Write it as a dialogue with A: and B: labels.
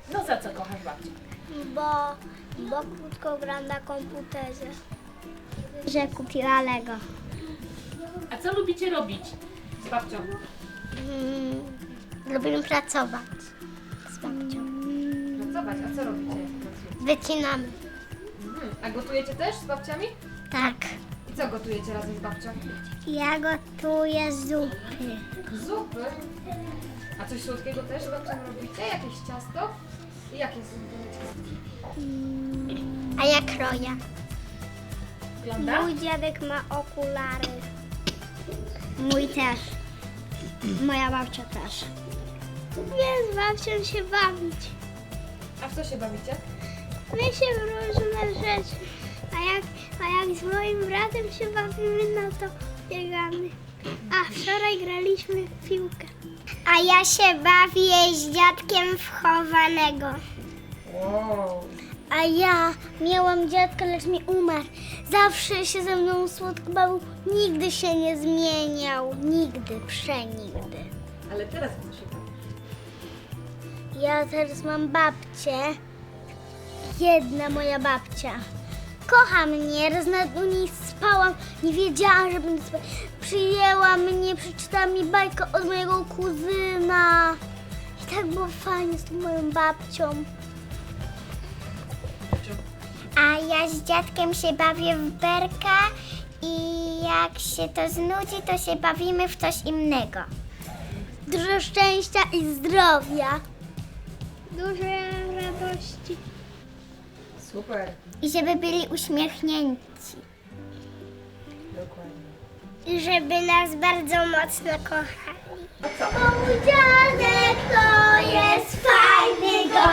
A: No za co kochasz babcię?
B: Bo krótko gram na komputerze. Że kupiła Lego.
A: A co lubicie robić z babcią?
B: Lubimy pracować z babcią.
A: Pracować, a co robicie?
B: Wycinamy.
A: A gotujecie też z babciami?
B: Tak.
A: I co gotujecie razem z babcią?
B: Ja gotuję zupy.
A: Zupy. A coś słodkiego też z babcią robicie? Jakieś ciasto? I jakie są to ciasto?
B: A ja kroję.
A: Wygląda?
B: Mój dziadek ma okulary. Mój też. Moja babcia też. Lubię z babcią się bawić.
A: A w co się bawicie?
B: My się w różne rzeczy. A jak z moim bratem się bawimy, no to biegamy. A wczoraj graliśmy w piłkę. A ja się bawię z dziadkiem w chowanego.
A: Wow.
B: A ja miałam dziadka, lecz mi umarł. Zawsze się ze mną słodko bawił. Nigdy się nie zmieniał. Nigdy, przenigdy.
A: Ale teraz w co się bawi?
B: Ja teraz mam babcię. Jedna moja babcia. Kocha mnie, raz nawet u niej spałam. Nie wiedziałam, że będę spać. Przyjęła mnie, przeczytała mi bajkę od mojego kuzyna. I tak było fajnie z tą moją babcią. A ja z dziadkiem się bawię w berka i jak się to znudzi, to się bawimy w coś innego. Dużo szczęścia i zdrowia. Dużo radości.
A: Super.
B: I żeby byli uśmiechnięci.
A: Dokładnie.
B: I żeby nas bardzo mocno kochali.
A: A co?
B: Mój dziadek to jest fajny gość.